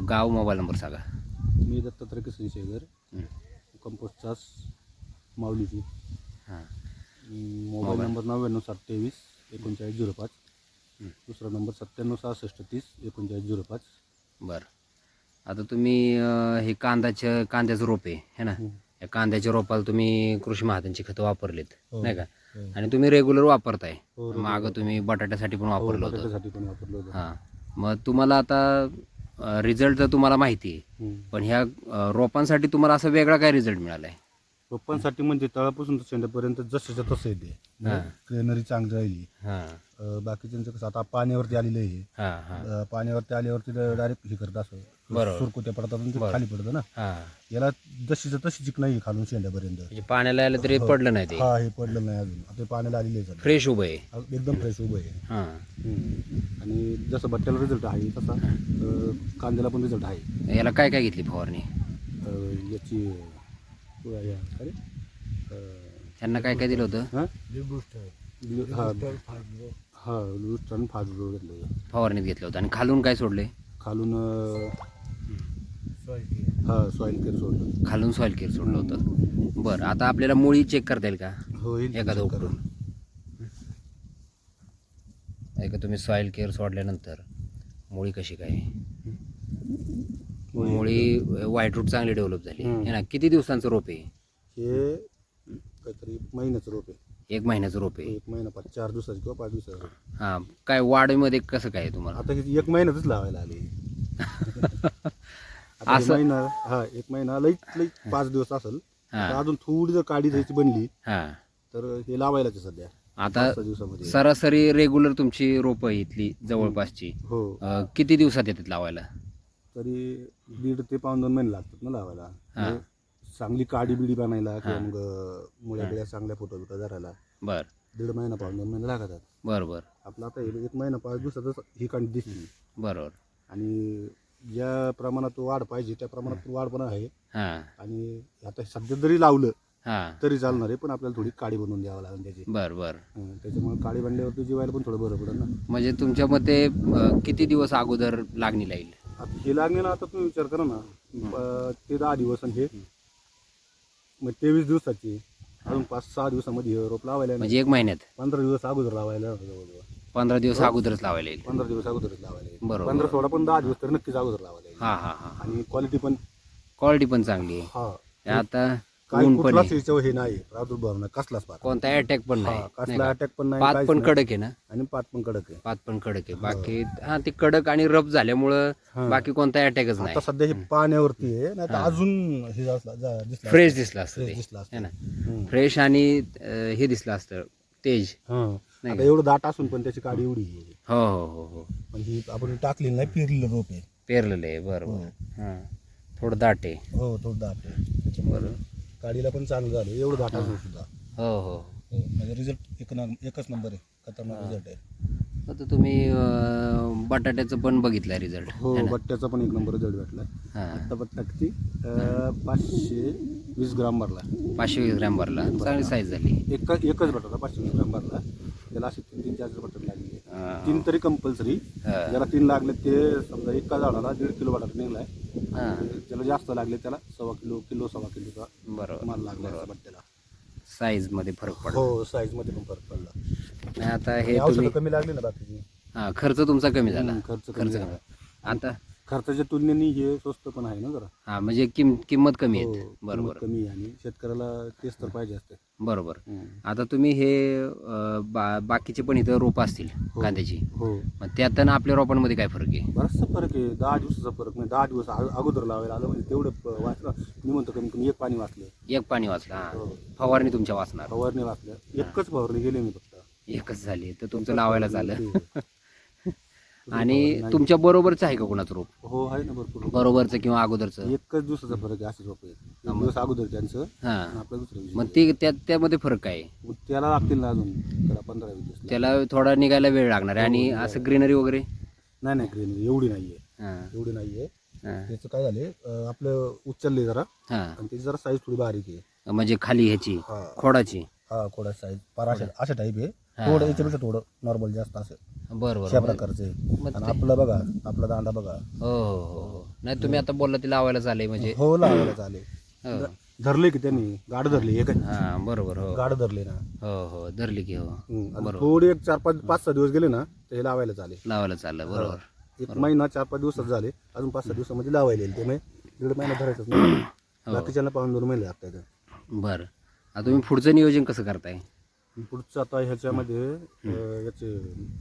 गाव mobile number सांगा. मी दत्तात्रय किसन शेगर, कंपोस्ट चास माऊलीची. हां. Mobile number 99 723 39 05. दुसरा नंबर 97 66 30 39 05. बरं. आता तुम्ही हे कांद्याचं रोप आहे ना, या कांद्याच्या रोपाला तुम्ही कृषी महाजनची खतं वापरलेत नाही का, आणि तुम्ही रेग्युलर वापरताय. मागं तुम्ही बटाट्यासाठी पण वापरलं होतं. बटाट्यासाठी पण वापरलं होतं. हां. मग तुम्हाला आता रिझल्ट तर तुम्हाला माहिती आहे, पण ह्या रोपांसाठी तुम्हाला असा वेगळा काय रिझल्ट मिळाला आहे? रोपांसाठी म्हणजे तळापासून तर शेंड्यापर्यंत जसंच्या तसं येते. ग्रेनरी चांगली राहिली. बाकीच्यांचं कसं आता पाण्यावरती आलेलं आहे. पाण्यावरती आल्यावरती डायरेक्ट हे करत असं सुरकुत्या पडतात आणि ते खाली पडतं ना. याला जशीच्या तशी चिक नाही खालून शेंड्यापर्यंत. म्हणजे पाण्याला आलं तरी पडलं नाही ते. हा, हे पडलं नाही अजून. आता पाण्याला आलेलं आहे, फ्रेश उभं आहे, एकदम फ्रेश उभं आहे. आणि जसं बट्ट्याला रिझल्ट आहे तसा कांद्याला पण रिझल्ट आहे. याला काय काय घेतली फवारणी? याची त्यांना काय काय दिलं होतं? फवारणीत घेतलं होतं. आणि खालून काय सोडले? खालून सॉइल केअर सोडलं. खालून सॉइल केअर सोडलं होतं. बरं, आता आपल्याला मुळी चेक करता येईल का? हो, एखादं उपटून. ऐका, तुम्ही सॉइल केअर सोडल्यानंतर मुळी कशी काय? मुळी व्हाईट रूट चांगली डेव्हलप झाली आहे ना. किती दिवसांचं रोप आहे हे? काहीतरी महिन्याचं रोप आहे. 1 महिन्याचं रोप आहे. 1 महिना 4 दिवसाचं किंवा 5 दिवसाचं. हां. काय वाढीमध्ये कसं काय तुम्हाला? आता 1 महिन्यातच लावायला आले. असं महिना 1 महिना लई 5 दिवस असेल. अजून थोडी जर काडी जायची बनली तर हे लावायलाच आहे सध्या. आता सरासरी रेग्युलर तुमची रोपं इथली जवळपासची किती दिवसात येतात लावायला? तरी 1.5 ते 2 महिने लागतात ना लावायला. चांगली काडी बिडी बनायला किंवा मग मुळ्या चांगल्या फोटो बिटो धरायला. बर, 1.5 महिना 2 महिने लागतात. बरोबर. आपलं आता 1 महिना 5 दिवसातच ही कांडी दिसली. बरोबर. आणि ज्या प्रमाणात वाढ पाहिजे त्या प्रमाणात वाढ पण आहे. आणि आता सध्या जरी लावलं तरी चालणार आहे, पण आपल्याला थोडी काडी बनवून द्यावं लागेल त्याची. बरोबर. त्याच्यामुळे काडी बनल्यावरती जीवायला पण थोडं बरं पडेल ना. म्हणजे तुमच्या मते किती दिवस अगोदर लागणी लागेल? आता हे लागणे ना, आता तुम्ही विचार करा ना, ते 10 दिवस आणि हे मग 23 दिवसाची. अजून 5-6 दिवसामध्ये रोप लावायला, म्हणजे 1 महिन्यात 15 दिवस अगोदर लावायला. 15 दिवस अगोदरच लावायला येईल. 15 दिवस अगोदरच लावायला येईल. बरोबर. 15-16 पण 10 दिवस तर नक्कीच अगोदर लावायला येईल. आणि क्वालिटी पण चांगली आहे. आता काही कुठलाच हे नाही, प्रादुर्भाव नाही, कसलाच कोणता अटॅक पण नाही, कसला अटॅक पण नाही. पात पण कडक आहे ना. आणि पात पण कडक आहे. बाकी ते कडक आणि रफ झाल्यामुळं बाकी कोणता अटॅकच नाही. आता सध्या हे पाण्यावरती आहे, नाही तर अजून हे फ्रेश दिसला असतं ना. फ्रेश आणि हे दिसलं असतं तेज. आता एवढं दाट असून पण त्याची काडी एवढी आहे. हो हो हो हो. पण ही आपण टाकलेलं नाही, पेरलेलं रोप आहे. पेरलेलं आहे. बरोबर. थोडं दाट आहे. हो, थोडं दाट आहे. त्याच्यामुळे काडीला पण चांगलं झालं एवढं दाट असून सुद्धा. हो हो. म्हणजे रिझल्ट एकच नंबर आहे. खतरनाक रिझल्ट आहे. आता तुम्ही बटाट्याचं पण बघितलंय रिझल्ट? हो, बट्ट्याचा पण 1 नंबर रिझल्ट भेटला. आता बट्टा किती 520 ग्राम भरला. 520 ग्रॅम भरला. चांगली साईज झाली. एकच बटाटा 520 ग्राम भरला. त्याला असे 3-4 बटाटे लागले. 3 तरी कंपल्सरी. ज्याला 3 लागले ते समजा एका झाडाला 1.5 किलो बटाटा निघलाय. ज्याला जास्त लागले त्याला 1.25 किलो 1.25 किलोचा बरोबर माल लागला बट्ट्याला. साईज मध्ये फरक पडला. हो, साईज मध्ये पण फरक पडला. आता हे औषधं कमी लागली ना बाकीची. खर्च तुमचा कमी झाला. खर्च कमी. आता खर्चाच्या तुलनेने हे स्वस्त पण आहे ना जरा. म्हणजे किंमत कमी आहे. बरोबर. कमी आहे आणि शेतकऱ्याला तेच तर पाहिजे असते. बरोबर. आता तुम्ही हे बाकीचे पण इथं रोप असतील कांद्याची. मग त्यात आपल्या रोपांमध्ये काय फरक आहे? बराचसा फरक आहे. 10 दिवसाचा फरक नाही. 10 दिवस अगोदर लावायला आलं म्हणजे तेवढं वाचलं. मी म्हणतो कमी कमी 1 पाणी वाचलं. 1 पाणी वाचला. फवारणी तुमच्या वाचणार? फवारणी वाचल्या. एकच फवारणी गेली मी फक्त. एकच झाली तर तुमचं लावायला झालं. आणि तुमच्या बरोबरच आहे का कोणाचं रोप? हो, आहे ना भरपूर. बरोबरचं किंवा अगोदरचं? एकच दिवसाचा फरक आहे. असे रोप आहे. 1 दिवस अगोदर त्यांचं, आपलं दुसरं. मग ते त्यामध्ये फरक काय? त्याला लागतील ना अजून त्याला 15-20 दिवस. त्याला थोडा निघायला वेळ लागणार आहे. आणि असं ग्रीनरी वगैरे नाही ग्रीनरी एवढी नाहीये. त्याचं काय झाले, आपलं उचलले जरा आणि त्याची जरा साईज थोडी बारीक आहे. म्हणजे खाली ह्याची खोडाची? खोडा साईज अशा टाईप आहे. थोडं याच्यापेक्षा थोडं नॉर्मल जास्त असेल. बरं अशा बरं प्रकारचं आहे. मग आणि आपलं बघा, आपला दांडा बघा. हो हो हो हो. नाही तुम्ही आता बोलला ती लावायला चालले म्हणजे हो, लावायला चालेल. हो. धरले की त्यांनी गाड धरली हे काय हा बरोबर हो गाड धरले ना. हो हो धरली की हो आणि थोडी एक 4-5-5-6 दिवस गेले ना तर हे लावायला चालेल. लावायला चाललं बरोबर. एक महिना 4-5 दिवसात झाले, अजून 5-6 दिवसामध्ये लावायला येईल. ते म्हणजे 1.5 महिना धरायचंच नाही. बाकीच्याला पाहून 2 महिने लागतात. बरं आता तुम्ही पुढचं नियोजन कसं करताय? पुढचं आता ह्याच्यामध्ये याचे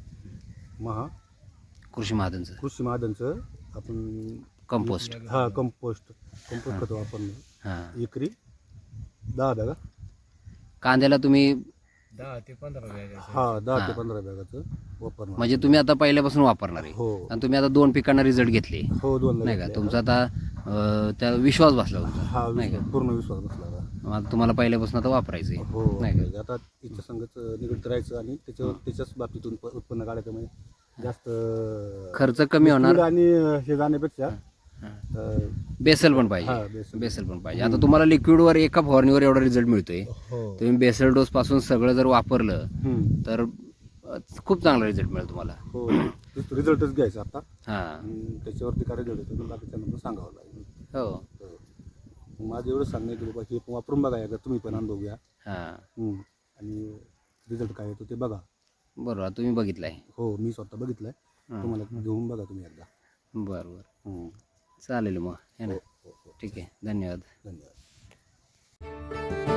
कृषी महाजनचं कृषी महाजनचं आपण कंपोस्ट कंपोस्ट खत वापरणं. हां एकरी 10 बॅगा, कांद्याला तुम्ही 10 ते 15 बॅगाचं वापरणं. म्हणजे तुम्ही आता पहिल्यापासून वापरणार आहे हो आणि तुम्ही आता 2 पिकांना रिझल्ट घेतले हो 2 नाही का तुमचा आता त्या विश्वास बसला तुमचा हा पूर्ण विश्वास बसला. मग आता तुम्हाला पहिल्यापासून आता वापरायचं आहे हो नाही का? आता तिच्या संगच निगडीत राहायचं आणि त्याच्याच बाबतीतून उत्पन्न काढायचं. म्हणजे जास्त खर्च कमी होणार कीड आणि हे जाण्यापेक्षा बेसल पण पाहिजे बेसल पण पाहिजे. आता तुम्हाला लिक्विडवर एका फवारणीवर एवढा रिझल्ट मिळतोय. तुम्ही बेसल डोस पासून सगळं जर वापरलं तर खूप चांगला रिझल्ट मिळेल तुम्हाला. हो रिझल्टच घ्यायचा आता. हां त्याच्यावरती काय रिझल्ट येतो बाकीच्यांना सांगावं लागेल. हो माझं एवढं सांगणं की बाबा हे वापरून बघा एकदा, तुम्ही पण अनुभव घ्या हां आणि रिझल्ट काय येतो ते बघा. बरोबर तुम्ही बघितलंय. हो मी स्वतः बघितलंय. तुम्हाला घेऊन बघा तुम्ही एकदा. बरं बरं चालेल मग है ना. ठीक आहे धन्यवाद. धन्यवाद.